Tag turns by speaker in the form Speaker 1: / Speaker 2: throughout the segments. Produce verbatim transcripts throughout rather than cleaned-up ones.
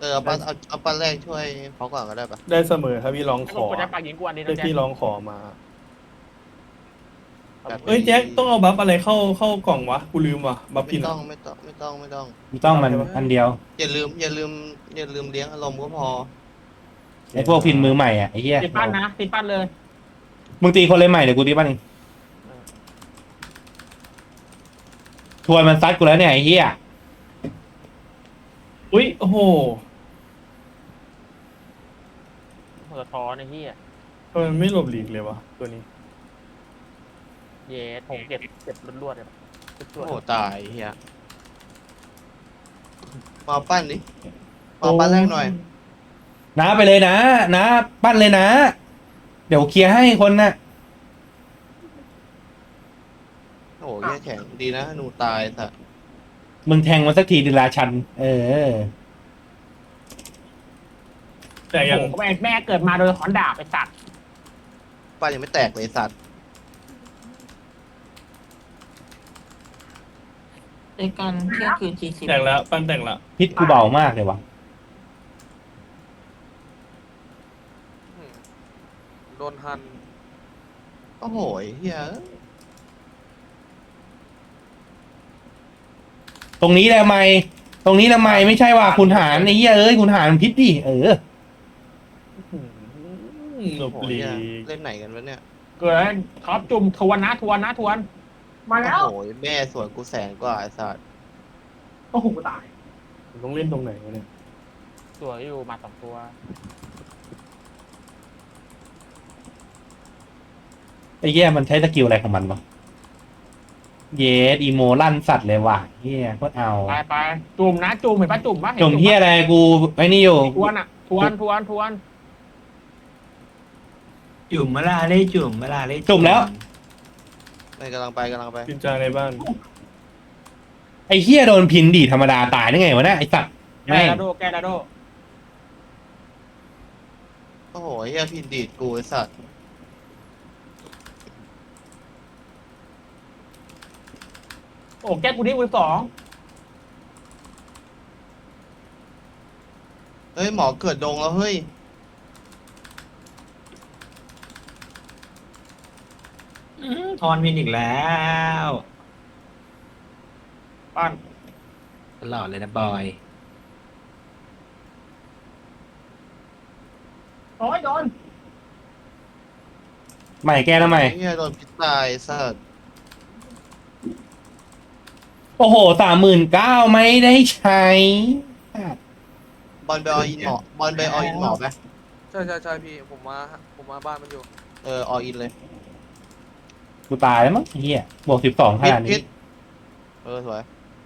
Speaker 1: เออเอาปั้นเอาเอาปั้นแรกช่วยเขาก่อนก็ได้ปะ
Speaker 2: ได้เสมอถ้าพี่ร้อง
Speaker 3: ไอ้
Speaker 2: ข
Speaker 3: ผม
Speaker 2: อก
Speaker 3: ดได้ปากยิงกูอันนี้
Speaker 2: ถ้า
Speaker 3: นะแจ็ค
Speaker 2: พี่ร้องขอมา
Speaker 1: แบบ
Speaker 2: เอ้ยแจ็คต้องเอาบัฟอะไรเข้าเข้ากล่องวะกูลืมว่ะบัฟ
Speaker 1: ไม่
Speaker 2: พิน
Speaker 1: ต้อ
Speaker 2: อะ
Speaker 1: งไม่ต้องไม่ต้องไม่ต้อง
Speaker 4: ไม่ต้องมันอันเดียว
Speaker 1: อย่าลืมอย่าลืมอย่าลืมเลี้ยงอารมณ์ก็พอ
Speaker 4: ไอ้พวกพินมือใหม่อ่ะไอ้เหี้ย
Speaker 3: ติดปั้นนะติดปั้นเลย
Speaker 4: มึงตีคนเลยใหม่เดี๋ยวกูตีปั้นเองทวนมันซัดกูแล้วเนี่ยไอ้เหี้ย
Speaker 2: อุ้ยโอ้โห
Speaker 3: หัวท้อนไอ้เหี้ย
Speaker 2: ทำไมมันไม่หลบหลีกเลยวะตัวนี้
Speaker 3: เย้ผมเก็บเก็บรวดๆเลยรว
Speaker 1: โอ้
Speaker 3: ด
Speaker 1: โหตายเฮียมาปั้นดิมาปั้นแรกหน่อย
Speaker 4: นะไปเลยนะนะปั้นเลยนะ เดี๋ยวเคลียร์ให้คนน่ะ
Speaker 1: โอ้โหเฮียแข็งดีนะหนูตายสัตว์
Speaker 4: มึงแทงมันสักทีดิลาชัน เออ
Speaker 2: แต่
Speaker 3: ๆ
Speaker 2: ยัง
Speaker 3: โอ้โหแม่แม่เกิดมาโดยขอนดาบไปสัตว์
Speaker 1: ปั้นยังไม่แตกเลยสัตว์
Speaker 5: ในการเที่ยงคืนสี่สิบ
Speaker 2: แตกแล้วปั้นแตกละ
Speaker 4: พิษกูเบามากเลยวะ
Speaker 6: โดนหัน
Speaker 1: โอ้โหเฮีย
Speaker 4: ตรงนี้แหละไม่ตรงนี้แหละไม่ไม่ใช่ว่าคุณหารไอ้เหี้ยเอ้ยคุณหารมันพิษดิเออ
Speaker 2: หลบ
Speaker 1: โอ้โห
Speaker 2: หลี
Speaker 1: เฮีย
Speaker 2: ก
Speaker 1: เล่นไหนกันวะเนี่ย
Speaker 3: เกิดท็อปจุ่มทวนนะทวนนะทวน มาแล้ว
Speaker 1: โอ้โหแม่สวนกูแสนกว่าไอ้สัตว์
Speaker 3: โอ้โหตาย
Speaker 2: ผมต้องเล่นตรงไหนวะเนี่ย
Speaker 3: สวยอยู่มาสองตัว
Speaker 4: ไอ้เหี้ยมันใช้สกิลอะไรของมันวะเยสอีโมลั่นสัตว์เลยว่ะเหี้ยโคตรเอา
Speaker 3: ไปไปจุ่มนะจุ่มเห็นปะจุ่มปะห็น
Speaker 4: จมเหี้ยอะไรกูไอ้นี่อยู่
Speaker 3: ทวนอ่ะทวนทวนทวน
Speaker 7: จุ่มเวลาเล่จุ่มเวลาเล่
Speaker 4: จุ่มแล้ว
Speaker 1: ไม่กำลังไปกำลังไป
Speaker 2: พินจาในบ้าน
Speaker 4: ไอ้เหี้ยโดนพินดีธรรมดาตายได้ไงวะเนี่ยไอ้สัตว์
Speaker 3: แก
Speaker 4: แม่ง
Speaker 3: ดาโดแกดาโด
Speaker 1: โอ้โหเฮียพินดีดกูไอ้สัตว์
Speaker 3: โอ้แกกูนี่มือสอง
Speaker 1: เฮ้ยหมอเกิดดงแล้วเฮ้ย
Speaker 7: ทอนวินอีกแล้ว
Speaker 3: ปั้น
Speaker 7: ตลอดเลยนะบอย
Speaker 3: โอ้ยโดน
Speaker 4: ใหม่แกแล้วใหม่
Speaker 1: เฮียโดนพิษตายสัตว์
Speaker 4: โอ้โหสามหมื่นเก้าไม่ได้ใช้
Speaker 1: บอลไปออินหมอบอลไปออินหมอไหม
Speaker 6: ใช่ใช่ใช่พี่ผมมาผมมาบ้านมันอยู่
Speaker 1: เออออินเลย
Speaker 4: กูตายแล้วมั้งไอ้เหี้ยบวกสิบสองข
Speaker 1: พิษ
Speaker 4: นาด
Speaker 1: พิ
Speaker 4: นี้
Speaker 1: ษเออสวย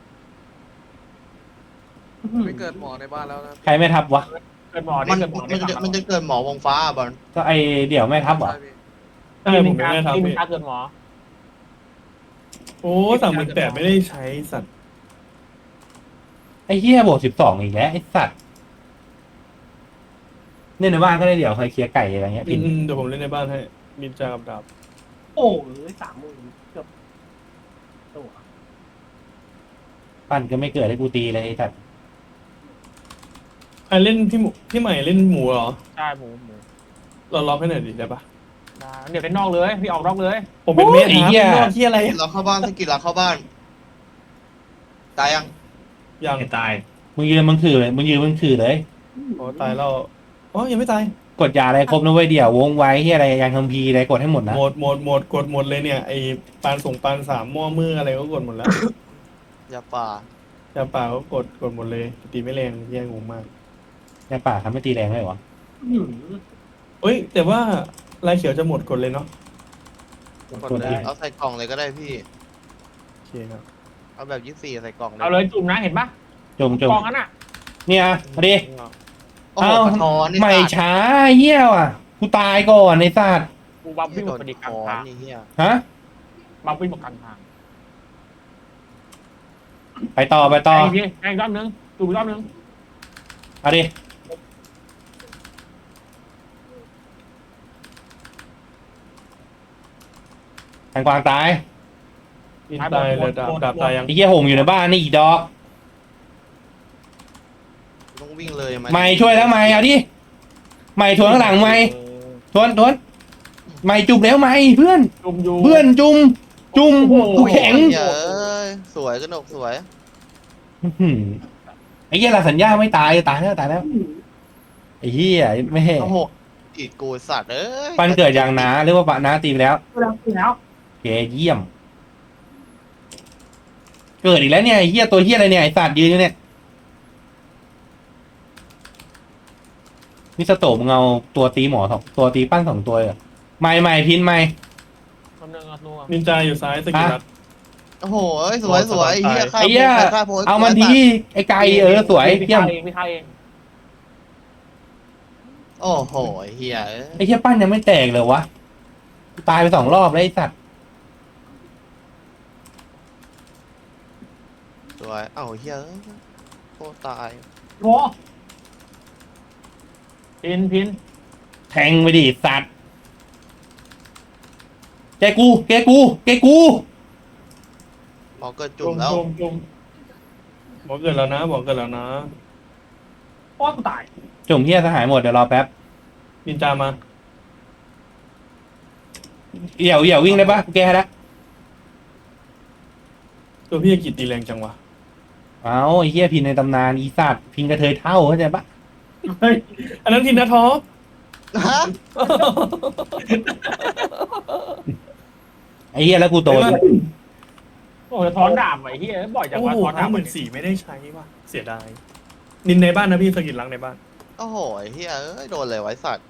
Speaker 6: ไม่เกิดหมอในบ้านแล้วนะ
Speaker 4: ใครไม่ทับวะ
Speaker 3: เกิดหมอ
Speaker 1: มั
Speaker 3: นี่
Speaker 1: น
Speaker 3: เกิดหมอ
Speaker 1: มันจะมันจะเกิดหมอวงฟ้าอะบอล
Speaker 4: ก็ไอเดี่ยวไม่ทับเหรอ
Speaker 6: ใช่พี่
Speaker 2: ใช่ผมไม่ได้ทำ
Speaker 3: ที่มึ
Speaker 2: พี่
Speaker 3: งตาเกิดหมอ
Speaker 2: โอ้สามหมื่นแปดไม่ได้ใช้สัตว์
Speaker 4: ไอ้เหี้ยบวกสิบสองอีกแล้วไอ้สัตว์เนี่ยในบ้านก็ได้เดี๋ยวใครเคลียร์ไก่อะไรเงี้ย
Speaker 2: อื
Speaker 4: พิน
Speaker 2: มเดี๋ยวผมเล่นในบ้านให้มินจากับดาบ
Speaker 3: โอ้ยสามหมื่นเกือบตัว
Speaker 4: ปั้นก็ไม่เกิดให้กูตีเลยไอ้สัตว์
Speaker 2: ใครเล่นพี่หมูพี่ใหม่เล่นหมูเหรอ
Speaker 3: ใช่หมูหมู
Speaker 2: เราล็อกให้หน่อยดิได้ปะ
Speaker 3: ได้เดี๋ยวเป็นนอกเลย พี่ออกนอกเลย
Speaker 2: ผมเป็นเมธครับเป็นนอกที่อะไร
Speaker 1: เราเข้าบ้านสกิลเราเข้าบ้านตายยัง
Speaker 2: ยัง
Speaker 7: ไม่ตาย
Speaker 4: มึงยืนมึงถือเลยมึงยืนมึงถือเลย
Speaker 2: อ๋อตายแล้วอ๋อยังไม่ตาย
Speaker 4: กดยาอะไรครบนะเว้ยเดี๋ยววงไว้ที่อะไรยังคัมภีร์อะไรกดให้หมดนะ
Speaker 2: หมดหมดหมดกดหมดเลยเนี่ยไอปานส่งปานสามหม้อมืออะไรก็กดหมดแล้ว
Speaker 1: ยาป่า
Speaker 2: จะเปล่าก็กดกดหมดเลยตีไม่แรงแย่งงมาก
Speaker 4: ในป่าทำไม่ตีแรงเลยวะ
Speaker 2: เอ้ยแต่ว่าลายเขียวจะหมดกดเลยเนาะ
Speaker 1: กดเลยเอาใส่กล่องเลยก็ได้พี่
Speaker 2: โอเคครับ
Speaker 1: เอาแบบยี่สิบสี่ใส่กล่องเลย
Speaker 3: เอาเลยจุ่มนะเห็นปะ
Speaker 4: จมจม
Speaker 3: กองนั้นอ่ะ
Speaker 4: เนี่ยมาดิ
Speaker 1: โอ้โห
Speaker 4: เอ้า
Speaker 1: กระท้อนนี่
Speaker 4: ไม่
Speaker 1: สัตว์
Speaker 4: ช้าเหี้ยว่ะกูตายก่อนไอ้สัตว์
Speaker 3: กูบัมวิ่งหม
Speaker 1: โด
Speaker 3: ด
Speaker 1: น
Speaker 3: พอดี
Speaker 1: ก
Speaker 3: กลาง
Speaker 1: ระท้อ
Speaker 3: ทาน ง
Speaker 1: นี่เฮีย
Speaker 4: ฮะ
Speaker 3: บัมวิ่งหมดกลางทาง
Speaker 4: ไปต่อไปต่อ
Speaker 3: ไอ้พี่ไอ้รอบนึงจุ่มรอบนึง
Speaker 4: เอาดิแทงกวางตาย
Speaker 2: มินตายเลยดาบดาบตายยัง
Speaker 4: ไอ้เหี้ยหงอยู่ในบ้านนี่อีกดอก
Speaker 1: รต้องวิ่งเลยมา
Speaker 4: ไม่ช่วยแล้วไม่เอาดิไม่ทวนข้างหลังไม่ทวนทวนไม่จุบแล้วไม่เพื่อน
Speaker 3: จุ่มอยู่
Speaker 4: เพื่อนจุ่มจุ่มกูแข็ง
Speaker 1: เฮ้ยสวยกระหนกสวย
Speaker 4: อื้อหือไอ้เหี้ยลาสัญญาไม่ตายตายแล้วตายแล้วไอ้เหี้ยไม่ให้
Speaker 1: โอ้โหอีกกูสัตว์เอ้ย
Speaker 4: ปันเกิดอย่างนาเรียกว่าปะนาตีไปแล้ว
Speaker 5: เราคือแล้ว
Speaker 4: โอเคเยี่ยม เกิดอีกแล้วเนี่ยไอ้เหี้ยตัวเหี้ยอะไรเนี่ยไอ้สัตว์ยืนอยู่เนี่ยนี่สโตมเงเอาตัวตีหมอสองตัวตีปั้นสองตัวเหรอไม่ไม่พินไม่
Speaker 3: คำนึงอ่ะนัว
Speaker 2: นินจาอยู่ซ้ายสกิลรัด
Speaker 1: โอ้โหสวยสวยเฮียข้า
Speaker 4: ไอ้เหี้ย
Speaker 1: ข้าโพส
Speaker 4: เอามันทีไอ้ไก่เออสวย
Speaker 3: พี่
Speaker 4: เยี่ยม
Speaker 3: ฆ่าเองพี่ฆ่าเอง
Speaker 1: โอ้โหเฮีย
Speaker 4: ไอ้เหี้ยปั้นยังไม่แตกเลยวะกูตายไปสองรอบแล้วไอ้สัตว์
Speaker 1: สวยเอ้าเฮียโคตรตาย
Speaker 3: โหพินพิน
Speaker 4: แทงไปดิสัตว์แกกูแกกูแกกู
Speaker 1: หมอเกิดจุ่มแล้ว
Speaker 2: จุ่มจุ่มบอกเกิดแล้วนะบอกเกิดแล้วนะ
Speaker 3: โอ้กูตาย
Speaker 4: จุ่มเหี้ยสหายหมดเดี๋ยวรอแป๊บ
Speaker 2: นินจามา
Speaker 4: เหี่ยวเหี่ยววิ่งได้ปะกูแกให้แล้ว
Speaker 2: ตัวพี่กิตตีแรงจังวะ
Speaker 4: เอาไอ้เหี้ยพินในตำนานอีสัตว์พินกระเทยเท่าเข้าใจปะ
Speaker 2: เฮ้ยอันนั้นพินนะท็อป
Speaker 1: ฮะ
Speaker 4: ไอ้เหี้ยแล้วกูโต
Speaker 3: โอ้ยถอนดาบไอ้เหี้ยบ่อยจัง
Speaker 2: โอ้
Speaker 3: วะ
Speaker 2: โห
Speaker 3: ถอนดา
Speaker 2: ห้า
Speaker 3: บ
Speaker 2: หมื่นสี่ไม่ได้ใช้ว่ะเสียดายนินในบ้านนะพี่สกิลรักในบ้าน
Speaker 1: โอ้โหเฮียเอ้ยโดนเลยไว้สัตว์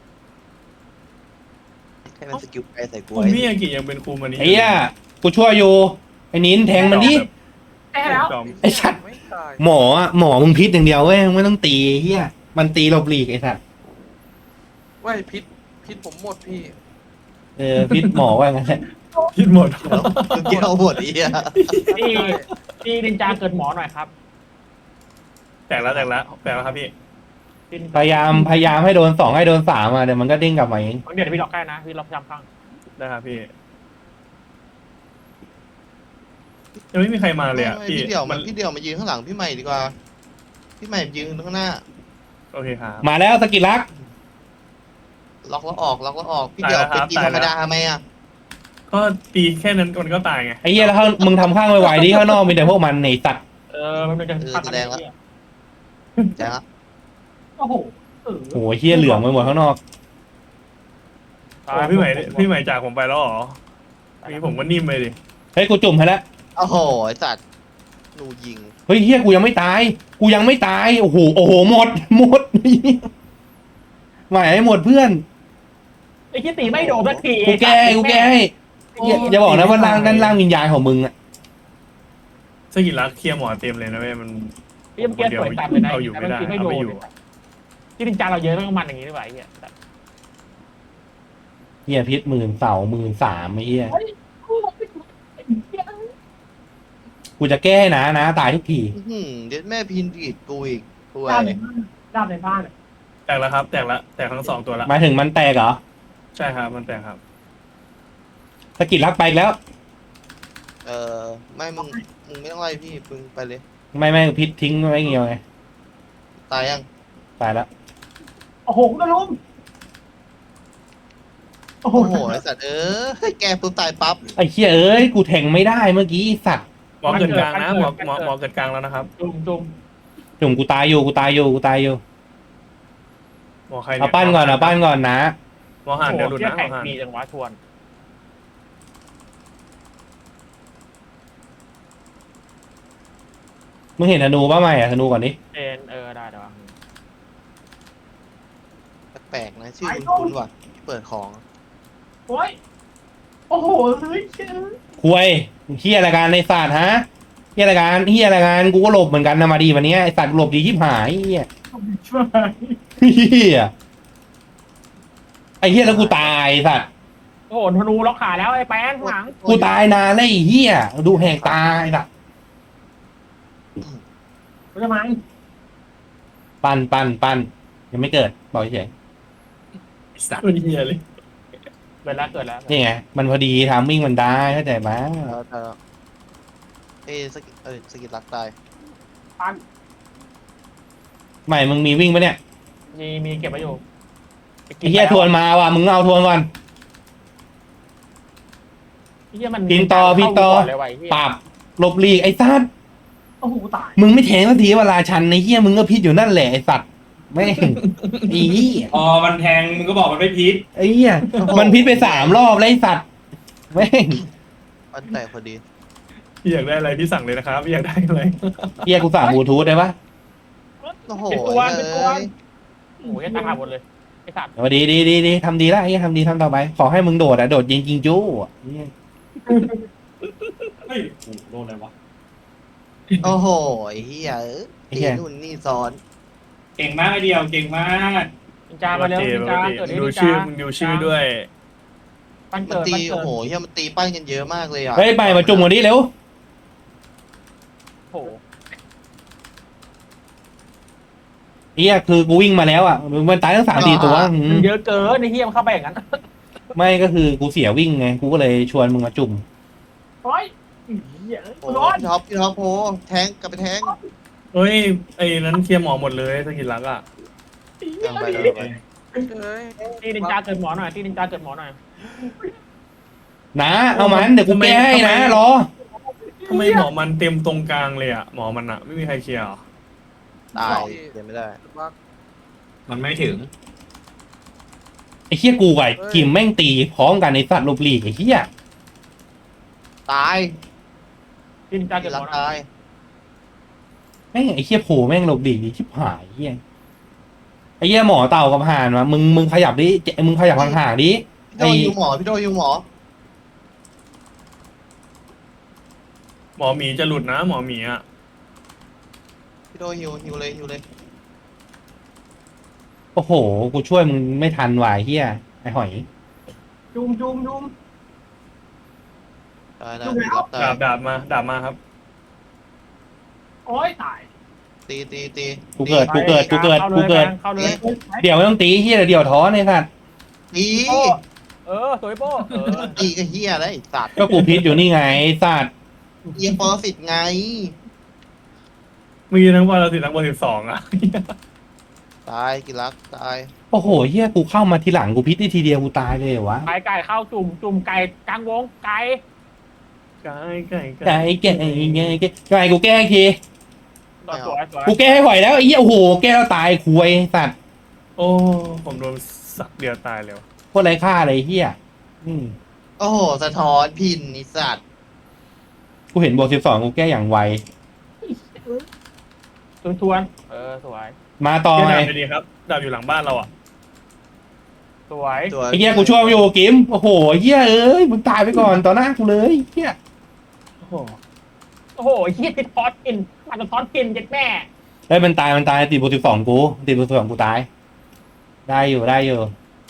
Speaker 1: ให้มันสกิลไปใส่กู
Speaker 2: ผมพี่อากิยังเป็นครูมานี้
Speaker 4: ไอ้เหี้ยกูช่วยอยู่ไอ้นิ้นแทงมันดิ
Speaker 3: แพ้แล้ว
Speaker 2: จอม
Speaker 4: ไอ้สัตว์
Speaker 6: ไม่ตาย
Speaker 4: หมออะหมอมึงพิษอย่างเดียวเว้ยมึงไม่ต้องตีไอ้เหี้ยมันตีหลบหลีกไอ้สัตว์
Speaker 6: ว่ายพิษพิษผมหมดพี่
Speaker 4: เออพิษหมอว่างั้นแหละ
Speaker 2: พิษหมด
Speaker 1: เกี่ยวหมดเฮีย
Speaker 3: พี่พี่นินจาเกิดหมอหน่อยครับ
Speaker 2: แตกแล้วแตกแล้วแตกแล้วครับพี่
Speaker 3: พิน
Speaker 4: พยายามพยายามให้โดนสองให้โดนสามอ่ะเดี๋ยวมันก็เด้งกลับมาเอง
Speaker 3: เดี๋ยวพี่ล็อกได้นะพี่ล็อกจำข้าง
Speaker 2: ได้ครับพี่ยังไม่มีใครมาเลยอ่ะ
Speaker 1: ไม่
Speaker 2: พี่
Speaker 1: พี่เดี่ยว
Speaker 2: มั
Speaker 1: มัน นพี่เดี่ยวมายืนข้างหลังพี่ใหม่ดีกว่า พี่ใหม่ยืนข้างหน้า
Speaker 2: โอเคครับ
Speaker 4: มาแล้วสกิลลัก
Speaker 1: ล็อกแล้วออกล็อกแล้วออกพี่เดี่ยว
Speaker 2: ตาย
Speaker 1: เป็
Speaker 2: แล้วครับ
Speaker 1: นตีธรรมดาทำไมอ่ะ
Speaker 2: ก็ตีแค่นั้นมันก็ตายไง
Speaker 4: ไอ้เหี้ยแล้วข้างมึงทำข้างไวๆดิข้างนอกมีแต่พวกมันในสัตว์
Speaker 3: เออมันเป็นจะพักกันเนี่ย
Speaker 1: แจ้งละ
Speaker 3: โอ้โหเออ
Speaker 4: โอ้ยเหี้ยเหลืองไปหมดข้างนอก
Speaker 2: โอ้พี่ใหม่พี่ใหม่จากผมไปแล้วเหรอพี่ผมก็นิ่มไปดิ
Speaker 4: เฮ้ยกูจุ่มให้แล้ว
Speaker 1: โอ้โหไอ้สัตว์หนูยิง
Speaker 4: เฮ้ยเหี้ยกูยังไม่ตาย กูยังไม่ตายโอ้โหโอ้โหหมดหมดไหวให้หมดเพื่อน
Speaker 3: ไอ้ที่ตีไม่โดนสักที
Speaker 4: กูแก้ให้กูแก้ให้อย่าอย่าบอกนะว่าร่างด้านล่างวิญญาณของมึงอะ
Speaker 2: สกิลรักเคลียร์หมอเต็มเลยนะเว้ยมัน
Speaker 3: พี่เมื่อกี้สวยจัดเลยนะ
Speaker 2: เอาอยู่ไม่ได้
Speaker 3: แต่ไม่
Speaker 2: เอา
Speaker 3: โด
Speaker 2: ไม่
Speaker 3: น
Speaker 2: อยู่
Speaker 3: ที่นินจาเราเยอะต้องมันอย่างนี้ด้วยไอ้เหี้ย
Speaker 4: เหี้ยพิษหมื่นเสาหมื่นสามไอ้เหี้ยกูจะแก้ให้นะนะตายทุกที
Speaker 1: อื้อหือเด็ดแม่พินผิดกูอีกกู
Speaker 3: ด้า
Speaker 1: ไอ้
Speaker 3: นในบ้านด้านในบ้าน
Speaker 2: แตกแล้วครับ แตกแล้วแตกทั้งสองตัวแล้ว
Speaker 4: หมายถึงมันแตกเหรอ
Speaker 2: ใช่ครับมันแตกครับ
Speaker 4: สกิลลักไปอีกแล้ว
Speaker 1: เออไม่มึงมึงไม่ต้องไล่พี่มึงไปเลย
Speaker 4: ไม่ไม่พิษทิ้งไว้เงี้ยวไง
Speaker 1: ตายยัง
Speaker 4: ตายแล้ว
Speaker 3: โอ้โหกระลุมโอ้โห
Speaker 1: โอ้โหไอ้สัตว์เออแกปุ๊บตายปั๊บ
Speaker 4: ไอ้เหี้ยเอ้ยกูแทงไม่ได้เมื่อกี้ไอ้สัตว์
Speaker 2: หมอเกิดกลางนะหมอหมอหมอเกิดกลางแล้วนะครับ
Speaker 3: จุ่มจุ่ม
Speaker 4: จุ่มกูตายอยู่กูตายอยู่กูตายอยู่
Speaker 2: หมอใคร
Speaker 4: เอาปั้นก่อนเอาปั้นก่อนนะ
Speaker 2: หมอหันเดี๋ยวหลุด
Speaker 3: เที่ย
Speaker 2: นะหม
Speaker 3: แข่
Speaker 2: อง หัน
Speaker 3: ดีจังวะชวน
Speaker 4: มึงเห็นธนูป่ะไม่อะธนูก่อนดิ
Speaker 3: เอ็นเออได้เดี๋ยว
Speaker 1: แปลกๆนะชื่อคุณคุณว่ะเปิดของ
Speaker 3: โอ้ยโอ้โหเฮ้ย
Speaker 4: ควยเฮียอะไรกันในศาสตร์ฮะเฮียอะไรกันเฮียอะไรกันกูก็หลบเหมือนกันนะมาดีวันนี้ไอสัตว์หลบดีชิบหายเฮีย
Speaker 3: ช่วย
Speaker 4: เฮียไอเฮียแล้วกูตายไอ้สัตว์
Speaker 3: โอ้โหธนูล็อกขาแล้วไอ้แป้นหลัง
Speaker 4: กูตายนานแล้วไอ้เฮียดูแหกตายสัตว์
Speaker 3: ทำไม
Speaker 4: ปันปันปันยังไม่เกิดบอกเฉย
Speaker 7: สัตว์
Speaker 2: เป็นเฮียเลย
Speaker 3: เกิดแล้วเกิดแล้ว
Speaker 4: นี่ไงมันพอดีทามมิ่งมันได้เข้าใจไหม
Speaker 1: แล้วแต่เอ้ยสกิเอ้ยสกิลรักตาย
Speaker 3: ปัน
Speaker 4: ใหม่มึงมีวิ่งปะเนี่ย
Speaker 3: มีมีเก็บไว้อยู่
Speaker 4: ไอ้เหี้ยทวนมาว่ะมึงเอาทวนก่อน
Speaker 3: ไอ้เหี้ยมัน
Speaker 4: พินต่อพินต่อ
Speaker 3: เข้าก่นเลยว่ะไอ้เหี้ย
Speaker 4: ปราบหลบหลีกไอ้สัตว์
Speaker 3: โอ้โหตาย
Speaker 4: มึงไม่แทงสักทีเวลาชันไอ้เหี้ยมึงก็พิษอยู่นั่นแหละไอ้สัตว์แม่งไอ้เหี้ย
Speaker 7: อ๋อมันแทงมึงก็บอกมันไม่พิษ
Speaker 4: ไอ้เหี้ยมันพิษไปสามรอบแล้วไอ้สัตว์แม่ง
Speaker 1: มันแตกพอดี
Speaker 2: พี่อยากได้อะไรพี่สั่งเลยนะครับพี่อยากได้อะไร
Speaker 4: เหี้ยกูสั่งบลูทูธได้ปะ
Speaker 1: โอ้โห
Speaker 3: เป็นตัว
Speaker 1: เอ้
Speaker 3: เป็นตัวย โอ้โหยังตายหมดเลยไอ้สัตว์
Speaker 4: เอาดีดีดีดีทำดีแล้วไอ้เหี้ยทำดีทำต่อไปขอให้มึงโดดอะโดดยิงยิงจู้อะเหี้ย
Speaker 7: เฮ้ยโอ้โหโดนอะไรวะ
Speaker 1: โอ้โหไอ้เหี้ยเอ้ยตีนู่นนี่ซ้อน
Speaker 7: เก่งมากไอเดียวเก่งมาก
Speaker 3: นินจามาเร็ว
Speaker 2: โอเค
Speaker 3: นินจา
Speaker 2: โอเค
Speaker 3: เกิด
Speaker 2: มึ
Speaker 3: ดิ
Speaker 2: งดู
Speaker 3: นิน
Speaker 2: ชื่อ
Speaker 3: จา
Speaker 2: มึงดูชื่อด้วย
Speaker 3: ปัน
Speaker 1: มัน
Speaker 3: เกิด
Speaker 1: ตี
Speaker 3: ปันเกิ
Speaker 1: โอ้
Speaker 3: ด
Speaker 1: โหเหี้ยมันตีปั้นกันเยอะมากเลยอ่ะ
Speaker 4: เฮ้ยไปมาจุ่มกันดิเร็ว
Speaker 3: โอ้โห
Speaker 4: เหี้ยคือกูวิ่งมาแล้วอ่ะมันตายทั้งสามสี่ตัวอื
Speaker 3: มัน
Speaker 4: ม
Speaker 3: เยอะเกินไอ้เหี้ยมันเข้าไปอย่างนั้น
Speaker 4: ไม่ก็คือกูเสียวิ่งไงกูก็เลยชวนมึงมาจุ่ม
Speaker 3: โอ้ยเหี้ย
Speaker 1: โอ้
Speaker 3: ร้อน
Speaker 1: พี่ท็อปพี่ท็อปโหแทงกลับไปแทง
Speaker 2: เฮ้ยไอ้นั้นเคลียร์หมอหมดเลยสกิลลักอ่ะ
Speaker 1: กลับไปกลับไป
Speaker 6: เอ้ย
Speaker 3: ตีนินจาเกิดหมอหน่อยตีนินจาเกิดหมอหน่อย
Speaker 4: นะเอามันเดี๋ยวกูแก้ให้นะรอ
Speaker 2: ทำไมหมอมันเต็มตรงกลางเลยอ่ะหมอมันอ่ะไม่มีใครเคลียร์เหรอ
Speaker 1: ตายเดี๋ยวไม่ได้
Speaker 6: บัก
Speaker 7: มันไม่ถึง
Speaker 4: ไอ้เหี้ยกูกับไอ้กิมแม่งตีพร้อมกันในสัตว์หลบหลีกไอ้เหี้ย
Speaker 1: ตาย
Speaker 3: ตีนินจาเกิ
Speaker 1: พี่
Speaker 3: ดห
Speaker 1: รั
Speaker 3: ม
Speaker 1: ก
Speaker 3: อหน่อย
Speaker 1: ตาย
Speaker 4: แม่งไอ้เหี้ยโผล่แม่งหลบหลีกดิชิบหายไอ้เหี้ยไอ้เหี้ยหมอเต่ากับห่านวะมึงมึงขยับดิเจมึงขยับห่างๆดิ
Speaker 1: พี่โดยิวหมอพี่โดยิวหมอ
Speaker 2: หมอหมีจะหลุดนะหมอหมีอ่ะ
Speaker 1: พี่โดฮิวฮิวเลยฮิวเลย
Speaker 4: โอ้โหกูช่วยมึงไม่ทันว่ะไอ้เหี้ยไอ้หอย
Speaker 3: จุ่มจุ่มจุ่ม
Speaker 1: ตายนะพี่รับตา
Speaker 2: ดาย บดาบมาดาบมาครับ
Speaker 3: โอ้ยตาย
Speaker 1: ตีตีตี
Speaker 4: กูเกิดกูเกิดกูเกิดกูเกิด
Speaker 3: เข้าเลย
Speaker 4: เดี๋ยวไม่ต้องตีเหี้ยเดี๋ยวท้อในสัตว์
Speaker 1: ตี
Speaker 3: โป้เออสวยโป้เออ
Speaker 1: ตีก็เฮียอะไรไอ้สัตว์
Speaker 4: ก็กูพิษอยู่นี่ไงไอ้สัตว์
Speaker 1: เอียงปรสิตไง
Speaker 2: มีทั้งวันละสิทั้งวันสิบสองอ่ะ
Speaker 1: ตายกิรักตาย
Speaker 4: โอ้โหเหี้ยกูเข้ามาทีหลังกูพิษได้ทีเดียวกูตายเลยเหรอวะ
Speaker 3: ไก่ไก่เข้าจุ่มจุ่มไก่กลางวงไก่
Speaker 2: ไก่ไก่
Speaker 4: ไก่แก่ไงแก่ไก่กูแก้อีกที
Speaker 3: สวยสวย
Speaker 4: กูแก้ให้ไหวแล้วไอ้เหี้ยโอ้โหแก้แล้วตายคุยสัตว์
Speaker 2: โอ้ผมโดนสักเดียวตายแล้ว
Speaker 4: โคตรไร้ค่าเลยไอ้เหี้ยอืม
Speaker 1: โอ้โหสะท้อนพินไอสัตว์
Speaker 4: กูเห็นบวกสิบสองกูแก้อย่างไว
Speaker 3: ทวนทวนเออสวย
Speaker 4: มาต่อ
Speaker 2: เฮีย
Speaker 4: ไง
Speaker 2: ดาบไปดีครับดาบอยู่หลังบ้านเราอ่ะ
Speaker 3: สวย
Speaker 1: ตัว
Speaker 4: ไอ้เหี้ยกูช่วยมึงอยู่กิมโอ้โหเหี้ยเอ้ยมึงตายไปก่อนต่อหน้ากูเลยเหี้ย
Speaker 2: โอ้โห
Speaker 3: โอ้โหเฮียติดทอดกินมันจะทอดกินเจ็ดแม่
Speaker 4: เฮ้ยมันตายมันตายติดบวกสิบสองกูติดบวกสิบสองกูตาย ได้อยู่ได้อยู่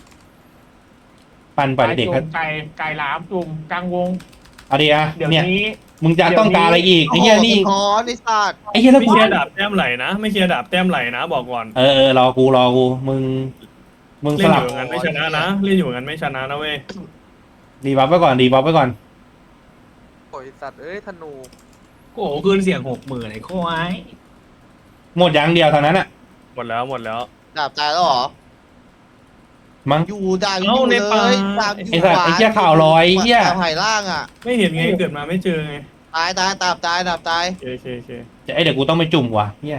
Speaker 4: ปั่นปล่อยเด็กๆครับ
Speaker 3: ไก่ไก่หลามจุ่มกลางวง
Speaker 4: เอาดีอะ
Speaker 3: เดี๋ยว
Speaker 4: เนี่ย
Speaker 3: นี้
Speaker 4: มึงจะต้องการอะไรอีก
Speaker 1: โอ้
Speaker 4: ไอ้
Speaker 1: โห
Speaker 4: เหี้ยนี่
Speaker 1: สะท้อนไอสัตว์
Speaker 4: ไอ้เหี้ยแล้ว
Speaker 2: ไม่
Speaker 4: กู
Speaker 2: เคลียร์ดาบแต้มไหลนะ ไม่เคลียร์ดาบแต้มไหลนะบอกก่อน
Speaker 4: เออเออรอกูรอกูมึงมึงส
Speaker 2: เล่นอ
Speaker 4: ลับ
Speaker 2: ยู่อย่างนั้นไม่ชนะนะเล่นอยู่อย่างนั้นไม่ชนะนะเว้ย
Speaker 4: ดีบัฟไว้ก่อนดีบัฟไว้ก่อน
Speaker 6: โอ้ยสัตว์เอ้ยธนู
Speaker 7: โอ้โหคืนเสียงหกหมื่นไอ้โค้ย
Speaker 4: หมดอย่างเดียวเท่านั้นอะ
Speaker 2: หมดแล้วหมดแล้ว
Speaker 1: ดาบตายแล้วเหรอ
Speaker 4: มั้ง
Speaker 1: อยู่ดาบอยู่เลยดาบอยู่
Speaker 4: ไอ้สัตว์ไอ้เหี้ยข่าวลอยไอ้เหี้ย
Speaker 1: ดาบหายล่างอ่ะ
Speaker 2: ไม่เห็นไงเกิดมาไม่เจอไง
Speaker 1: ตายตายดาบตายดาบตาย
Speaker 2: โอเคโอเคโอเค
Speaker 4: ไอ้เดี๋ยวกูต้องไปจุ่มว่ะเหี้ย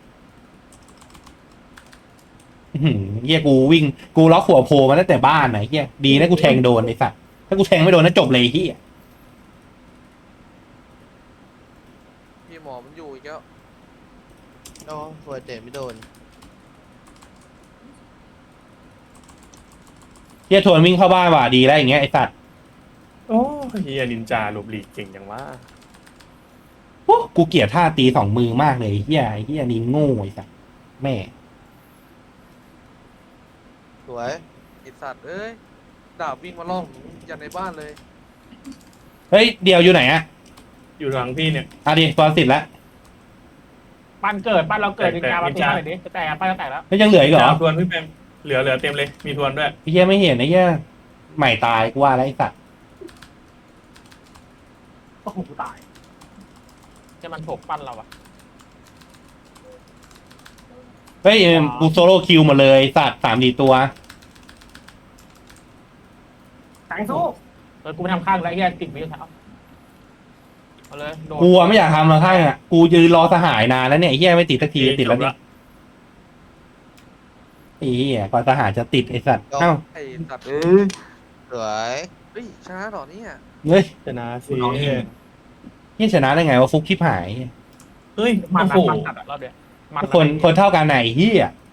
Speaker 4: อื้อหือเหี้ยกูวิ่งกูล็อกหัวโพมาตั้งแต่บ้านไหนเหี้ยดีนะกูแทงโดนไอ้สัตว์ถ้ากูแทงไม่โดนน่าจบเลยไอ้เหี้ย
Speaker 6: พี่หมอมันอยู่อีกแล้ว
Speaker 1: โอ้สวยเตะไม่โดน
Speaker 4: เหี้ยทวนวิ่งเข้าบ้านว่ะดีแล้วอย่างเงี้ยไอ้สัตว์
Speaker 2: โอ้เฮียนินจาหลบหลีกเก่งจังวะ
Speaker 4: โอ้กูเกลียดท่าตีสองมือมากเลยไอ้เหี้ยไอ้เหี้ยนี่โง่ไอ้สัตว์แม่
Speaker 1: สวย
Speaker 6: ไอสัตว์เอ้ยดาบวิ่งมาล่องยันในบ้านเลย
Speaker 4: เฮ้ยเดียวอยู่ไหนอะ
Speaker 2: อยู่หลังพี่เนี่ย
Speaker 4: อ่ะดิตอนสิทธิ์แล้ว
Speaker 3: ปั้นเกิดปั้นเราเกิดนินจามาตี
Speaker 2: นินจา
Speaker 3: หน่อยดิจะแตกปั้นจะแตกแล้ว
Speaker 4: แล้วยังเหลืออีกเหรอ
Speaker 2: ทวนพี่แปมเหลือเหลือเต็มเลยมีทวนด้วย
Speaker 4: ไอ้เหี้ยไม่เห็นไอ้เหี้ยใหม่ตายกูว่าแล้วไอ้สัตว์
Speaker 3: โอ้โหตายจะมันโฉกปั้นเราอะ
Speaker 4: ไปฮ้ยกูโซโล่คิวหมดเลยสัตว์สามสี่ตัว
Speaker 3: แทงสู้เออกูไม่ทำข้างแล้วไอ้เหี้ยติดวิวเท้าเอาเลยโดน
Speaker 4: กูอะไม่อยากทำหรอกข้างอ่ะกูยืนรอสหายนานแล้วเนี่ยไอ้เหี้ยไม่ติดสักทีติดแล้วเนี่ยไอ้เหี้ยก่อนสหายจะติดไอ้สัตว์เอ้า
Speaker 6: ไอ้สัตว์
Speaker 1: สวย
Speaker 6: เฮ้ยชนะเหรอเนี่ย
Speaker 4: เฮ้ย
Speaker 2: ชนะสิ
Speaker 4: นี่ชนะได้ไงว่าฟุกชิบหาย
Speaker 2: เฮ้ย
Speaker 3: มัน
Speaker 2: โอ้โห
Speaker 3: มันตัดอะรอบเดียวมัน
Speaker 4: คนคนเท่ากันไหนเหี้ย